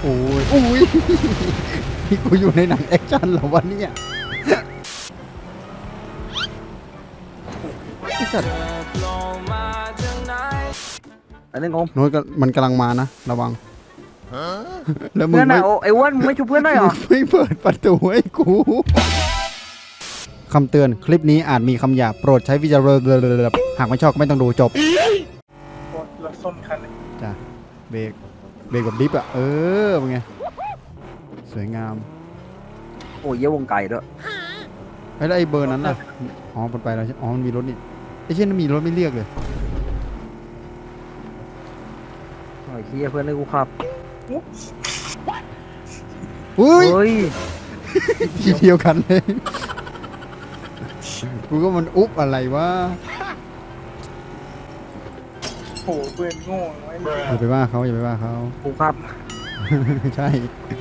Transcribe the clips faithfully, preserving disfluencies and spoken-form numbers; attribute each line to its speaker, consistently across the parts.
Speaker 1: โอ้ยโอ้ยนี่กูอยู่ในหนังแอคชั่นเหรอวะเนี่ยไอ้สัตว์
Speaker 2: อันนี้งง
Speaker 1: โน้ตก็มันกำลังมานะระวังแล้วมึง
Speaker 2: เพื่อน
Speaker 1: ไม่
Speaker 2: อะโอ้ไอ้อ้วนมึงไม่ชุบเพื่อนได้เหรอ
Speaker 1: ไม่เปิดประตูให้กูคำเตือนคลิปนี้อาจมีคำหยาบโปรดใช้วิจารณญาณหากไม่ชอบก็ไม่ต้องดูจบ
Speaker 3: รถส้นคันเลย
Speaker 1: จ้ะเบรกเบรกแบบดิฟอะเออเป็นไงสวยงาม
Speaker 2: โอ้ยเยี่ยวงไก่ด้วย
Speaker 1: ไอ้แล้วไอ้เบอร์นั้นล่ะอ๋อมันไปแล้วใช่อ๋อมันมีรถนี่ไอ้เช่นนั้นมีรถไม่เรียกเลย
Speaker 2: โอ้ยเฮียเพื่อนให้กูขับ
Speaker 1: อุ้ย
Speaker 2: เฮ้ย
Speaker 1: ทีเดียวกันเลยกูก็มันอุ๊บอะไรวะ
Speaker 3: โหเพื่อนโง่ไว้
Speaker 1: อย่าไปว่าเขาอย่าไปว่าเขา
Speaker 2: กูขับ
Speaker 1: ใช่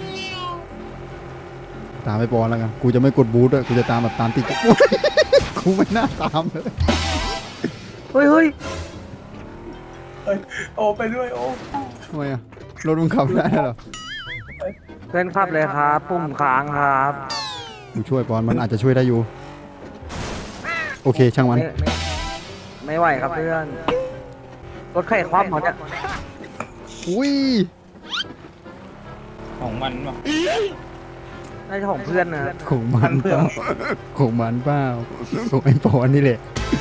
Speaker 1: ตามไปปอนแล้วกันกูจะไม่กดบูทด้วยกูจะตามแบบตามติด กูไม่น่าตามเลย
Speaker 2: เฮ้ยเฮ้ย
Speaker 3: เอ้ยโอ้ไปด้วยโอ้
Speaker 1: ทำไมอะรถมึงขับไม่ได้เหรอ
Speaker 2: เพื่อนขับเลยครับปุ่มค้างครับ
Speaker 1: กูช่วยปอนมันอาจจะช่วยได้อยู่โอเคช่างมัน
Speaker 2: ไม่ไม่ไม่ไหวครับเพื่อนรถไข่คว่ำเหรอเนี่ย
Speaker 1: อุ้ย
Speaker 4: ของมันวะ
Speaker 2: น่าจะของเพื่อนนะ
Speaker 1: ของมันเปล่าของมันเปล่าของไอ้ปอนนี่แหละ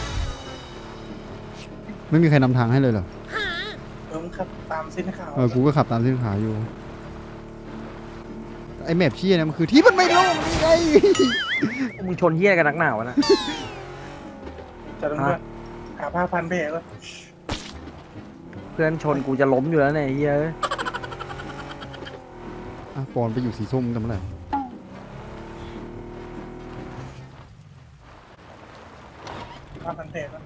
Speaker 1: ไม่มีใครนำทางให้เลยเหรอ
Speaker 3: เออมึงขับตามเส้นขาว
Speaker 1: เออ กูก็ขับตามเส้นขาวอยู่ ไอ้แมพเชี่ยเนี่ยมันคือที่มันไม่โล่งนี่ไง
Speaker 2: มึงชนเฮียกันนักหนาวะนะ
Speaker 3: จะต้องเพื่อนหาผ้าพันแผลก็
Speaker 2: เพื่อนชนกูจะล้มอยู่แล้วเนี่ยเฮียเอ้ย
Speaker 1: อ่ะปอนไปอยู่สีส้มกันเมื่อไหร่
Speaker 3: ผ้าพันแผลก็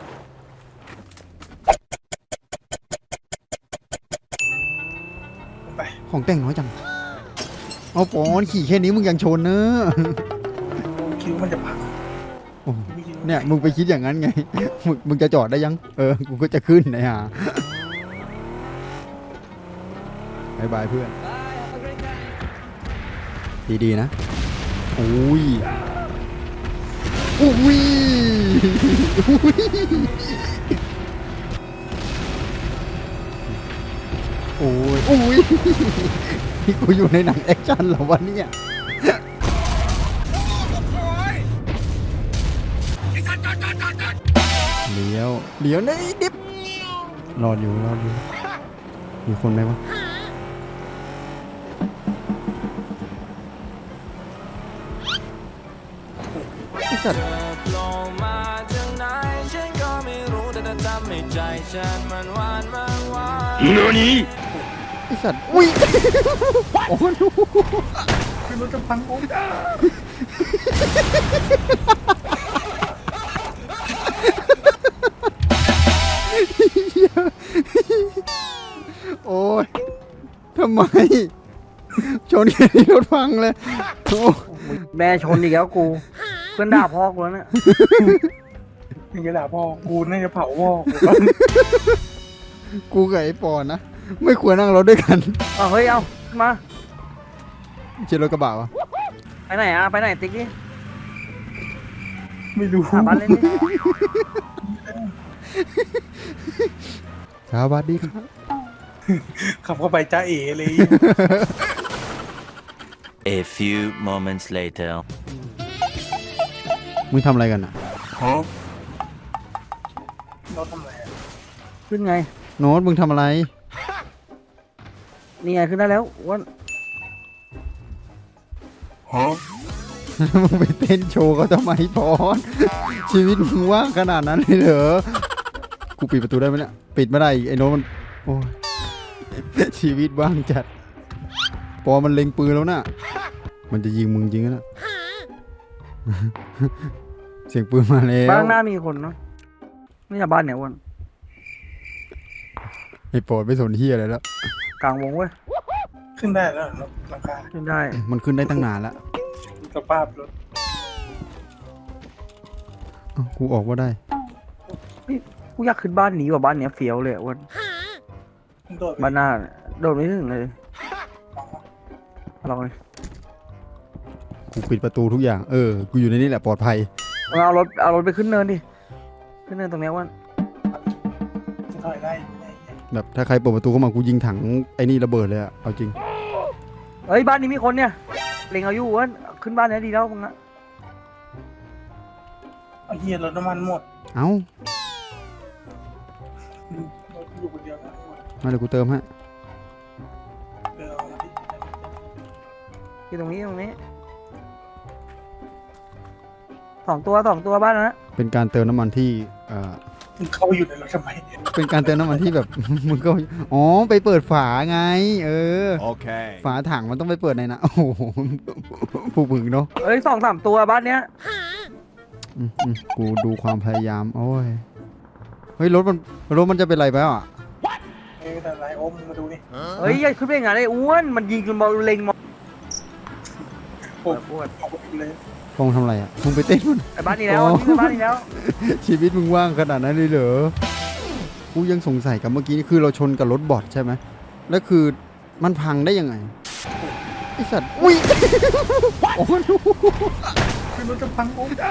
Speaker 3: ไป
Speaker 1: ของแต่งน้อยจัง เอาปอนขี่แค่นี้มึงยังชนเนอะ
Speaker 3: คิ้วมันจะพัง
Speaker 1: โอ้เนี่ย มึงไปคิดอย่างนั้นไง มึงมึงจะจอดได้ยัง เออ กูก็จะขึ้นนะฮะบายบายเพื่อน ดีๆนะอุ้ยอุ้ยโอ้ยอุ้ยนี่กูอยู่ในหนังแอคชั่นเหรอวะเนี่ยเลี้ยวเลี้ยวในดิบรออยู่รออยู่มีคนไหมวะไอ้สัตว์ไอ้สัตว์อุ้ยโอ้โห
Speaker 3: คือรถจะพังโอ้
Speaker 1: โอ้ยทำไมชนแค่นี้รถพังเลยโอ้
Speaker 2: แม่ชนอีกแล้วกู เพื่อนด่าพ่อกูแล้วเนี่ย
Speaker 3: มึงจะด่าพ่อกูน่าจะเผาพ่อกู
Speaker 1: กูกับไอ้ปอนนะไม่ควรนั่งรถด้วยกัน
Speaker 2: เอาเฮ้ยเอามา
Speaker 1: เชียรถกระบะวะ
Speaker 2: ไปไหนอะไปไหนติ๊กดิ
Speaker 3: ไม่รู้
Speaker 2: หาบ้านเล่นดิ
Speaker 1: สวัสดีครับ
Speaker 3: ขับเข้าไปจ้าเอ๋เลย
Speaker 5: A few moments later.
Speaker 1: มึงทำอะไรกันอ่ะ
Speaker 3: รถทำอะไรอะ
Speaker 2: ขึ้นไง
Speaker 1: โน้ตมึงทำอะไร
Speaker 2: นี่ไงขึ้นได้แล้วอ้วน
Speaker 1: มึงไปเต้นโชว์เขาทำไมปอนชีวิตมึงว่างขนาดนั้นเลยเหรอกูปิดประตูได้ไหมเนี่ยปิดไม่ได้อีกไอ้โน้ตมันโอ้ยชีวิตว่างจัดปอมันเล็งปืนแล้วน่ะมันจะยิงมึงจริงนะ เสียงปืนมาแล้ว
Speaker 2: บ้านหน้ามีคนเนาะนี่จะบ้านเนี่ยอ้วน
Speaker 1: ไอ้ปอดไม่สนเฮียอะไรแล้ว
Speaker 2: กลางวงเว้ย
Speaker 3: ขึ้นได้แล้วรถราคา
Speaker 2: ขึ้นได้
Speaker 1: มันขึ้นได้ตั้งนานแล้ว
Speaker 3: สภาพรถ
Speaker 1: เอ้ากูออกว่าได้
Speaker 2: กูอยากขึ้นบ้านนี้ว่ะบ้านเนี้ยเฟี้ยวเลยอะอ้วน
Speaker 3: มึงโดดไป
Speaker 2: บ้านหน้าเนี่ยโดดไม่ถึงเลย
Speaker 3: มอง
Speaker 2: ลองเลย
Speaker 1: กูปิดประตูทุกอย่าง เออ กูอยู่ในนี่แหละปลอดภัย
Speaker 2: มึงเอารถเอารถไปขึ้นเนินดิขึ้นเนินตรงเนี้ยอ้วัน
Speaker 3: จะถอยได้
Speaker 1: แบบถ้าใครเปิดประตูเข้ามากูยิงถังไอ้นี่ระเบิดเลยอะเอาจริง
Speaker 2: เฮ้ยบ้านนี้มีคนเนี่ยเล็งเอาอยู่อ้วันขึ้นบ้านเนี้ยดีแล้วมึงอะ
Speaker 3: เอาเฮียรถน้ำมันหมด
Speaker 1: เอ้า
Speaker 3: รถอยู่คนเดียวนะหมด
Speaker 1: มาเดี๋ยวกูเติมให้
Speaker 3: เดินเอามาดิ
Speaker 2: อยู่ตรงนี้ตรงนี้สองตัวสองตัวบ้านนะ
Speaker 1: เป็นการเติมน้ำมันที่เอ่อ
Speaker 3: มึงเข้าไปอยู่ในรถทำไม
Speaker 1: เป็นการเติมน้ำมันที่แบบ มึงก็อ๋อไปเปิดฝาไง เออ
Speaker 5: Okay.
Speaker 1: ฝาถังมันต้องไปเปิดในนะโอ้โหผู้มึงเนาะ
Speaker 2: เอ้ยสองสามตัวบ้านเนี้ย
Speaker 1: อืมอืมกูดูความพยายามโอ้ยเฮ้ยรถมันรถมันจะเป็นไรไปอ่ะ
Speaker 3: เอ้ยแต่ไรโอ้มงมาดูนี่
Speaker 2: เฮ้ยอย่าขึ้นไปอย่างนั้นเลยอ้วนมันยิงจนมาเล็งมา
Speaker 3: โอ้
Speaker 2: อ้วน
Speaker 3: เอาไปเลย
Speaker 1: ฟองทำอะไรอ่ะมึงไปเต้นมัน
Speaker 2: ไอ้บ้านนี้แล้ว
Speaker 1: อ๋อ
Speaker 2: วิ่งไปบ้านนี้แล้ว
Speaker 1: ชีวิตมึงว่างขนาดนั้นเลยเหรอกูยังสงสัยกับเมื่อกี้นี่คือเราชนกับรถบอทใช่ไหมแล้วคือมันพังได้ยังไงไอสัตว์อุ้ยโอ้โห
Speaker 3: คือรถจะพังโอ้ม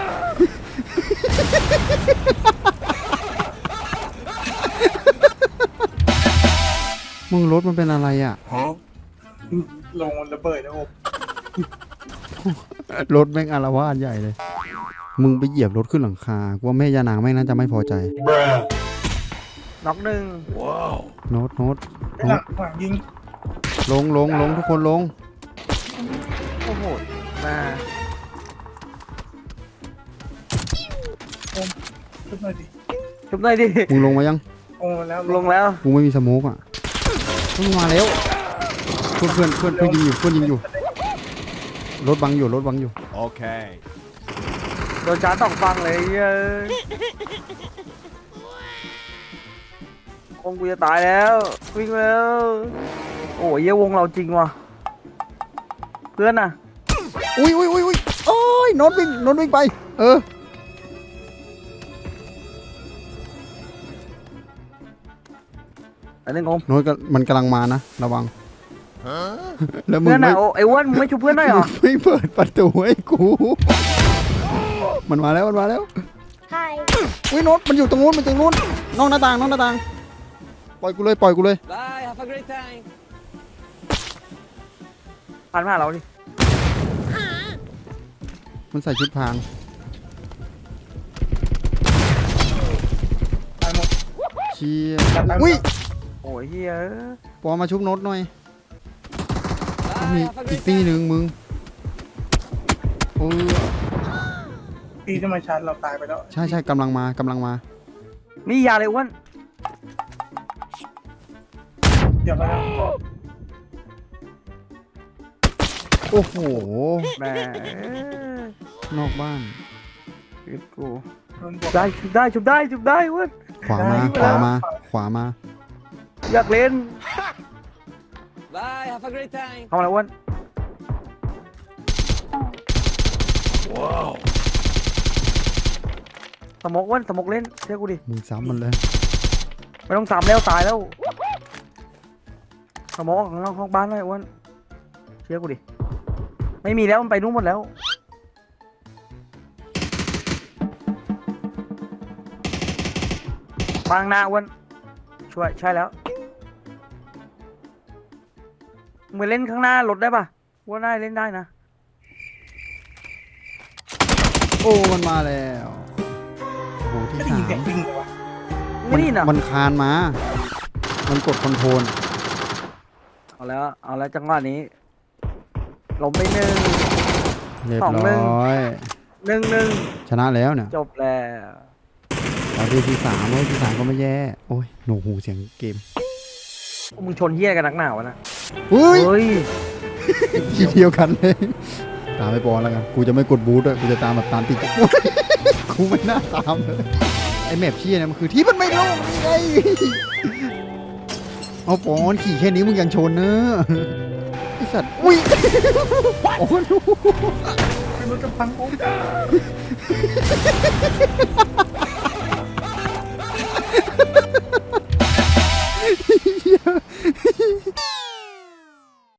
Speaker 1: มึงรถมันเป็นอะไรอ่ะ
Speaker 3: ลงระเบิดนะโอ้ม
Speaker 1: รถแม่งอารวาสใหญ่เลย มึงไปเหยียบรถขึ้นหลังคากูว่าแม่ยานางแม่งน่าจะไม่พอใจ
Speaker 2: น็อกหนึ่ง
Speaker 1: โน้ตโน้ต
Speaker 3: ไอ้หลังหลังยิง
Speaker 1: ลงลงลงทุกคนลง
Speaker 2: โอ้โหมา
Speaker 3: ขึ้นมาดิ
Speaker 2: ชุบหน่อยดิ
Speaker 1: มึงลงมายัง
Speaker 3: โอ้แล้ว
Speaker 2: ลงแล้ว
Speaker 1: กูไม่มีสโมกอ่ะมึงมาแล้วเพื่อนเพื่อนเพื่อนเพื่อนยิงอยู่เพื่อนยิงอยู่ รถบังอยู่รถบังอยู่
Speaker 5: Okay.
Speaker 2: โดนชาร์จสองฟังเลยเย้ยคงกูจะตายแล้ววิ่งแล้ว โอ้ยเหี้ยวงเราจริงว่ะเพื่อนน่ะ
Speaker 1: อุ้ยอุ้ยอุ้ยอุ้ยโอ้ยโน้ตวิ่งโน้ตวิ่งไป เออ
Speaker 2: อันนี้งง
Speaker 1: โน้ตก็มันกำลังมานะระวังแล้วมึง
Speaker 2: เพื่อน
Speaker 1: ไม่
Speaker 2: น่ะโอ้ไอ้อ้วนมึงไม่ชุบเพื่อนหน่อยเหรอ
Speaker 1: ไม่เปิดประตูให้กู มันมาแล้วมันมาแล้ว
Speaker 4: Hi.
Speaker 1: อุ้ยโน้ตมันอยู่ตรงนู้นมันตรงนู้นนอกหน้าต่างนอกหน้าต่างปล่อยกูเลยปล่อยกูเลย
Speaker 2: Bye have a great time ผ่านมาเราดิ
Speaker 1: มันใส่ชุดพราง
Speaker 3: ตายหมด
Speaker 1: เชี่ย
Speaker 3: ตายหมด
Speaker 1: อุ้ย
Speaker 2: โอ้ยเฮีย
Speaker 1: ปอมาชุบโน้ตหน่อยมีอีกตีหนึ่งมึงโอ้ย
Speaker 3: พี่ที่มาชาร์จเราตายไปแล้ว
Speaker 1: ใช่ใช่กำลังมากำลังมา
Speaker 2: มียาเลยอ้วน
Speaker 3: เดี๋ยวไปแล้ว
Speaker 1: โอ้โห
Speaker 2: แหม
Speaker 1: นอกบ้าน
Speaker 2: ชีวิตกู
Speaker 3: โดนบอก
Speaker 2: ได้ชุบได้ชุบได้ชุบได้อ้วน
Speaker 1: ขวามาขวามาขวามา
Speaker 2: อยากเล่น
Speaker 6: Bye, have a great time.
Speaker 2: เข้ามาแล้วอ้วน
Speaker 5: Wow.
Speaker 2: สมกอ้วนสมกเล่นเชื่อกูดิ
Speaker 1: มึงซ้ำมันเลย
Speaker 2: ไม่ต้องสามแล้วตายแล้วสมกออกข้างนอกห้องบ้านเลยอ้วนเชื่อกูดิไม่มีแล้วมันไปนู่นหมดแล้วบางหน้าอ้วนช่วยใช่แล้วมึงไปเล่นข้างหน้ารถได้ปะว่าได้เล่นได้นะ
Speaker 1: โอ้มันมาแล้วโอ้โหที่
Speaker 3: ไม่ได้
Speaker 1: สา
Speaker 3: ยินเสีย
Speaker 1: ม
Speaker 3: งวิ่งเลยวะ
Speaker 2: ไม่นี่นะ
Speaker 1: มันคานมา มันกดคอนโทรล
Speaker 2: เอาแล้วเอาแล้วจังหวะนี้ล้มไปหนึ่ง
Speaker 1: เรียบ
Speaker 2: สองหนึ่ง
Speaker 1: ร้อย
Speaker 2: หนึ่งหนึ่ง
Speaker 1: ชนะแล้วเนี่ย
Speaker 2: จบแล้ว
Speaker 1: เราได้ที่สามเว้ยที่สามก็ไม่แย่โอ้ยโหนหูเสียงเกม
Speaker 2: มึงชนเฮี้ยกันนักหนาวะนะ
Speaker 1: อุ้ย
Speaker 2: เฮ้ย
Speaker 1: ทีเดียวกันเลยตามไปปอนแล้วกันกูจะไม่กดบูทด้วยกูจะตามแบบตามติด กูไม่น่าตามเลยไอแมปเชี่ยเนี่ยมันคือที่มันไม่ลงไงเอาปอนขี่แค่นี้มึงยังชนเนอะไอสัตว์อุ้ยโอ้โห
Speaker 3: คือรถจะพังโอ้ม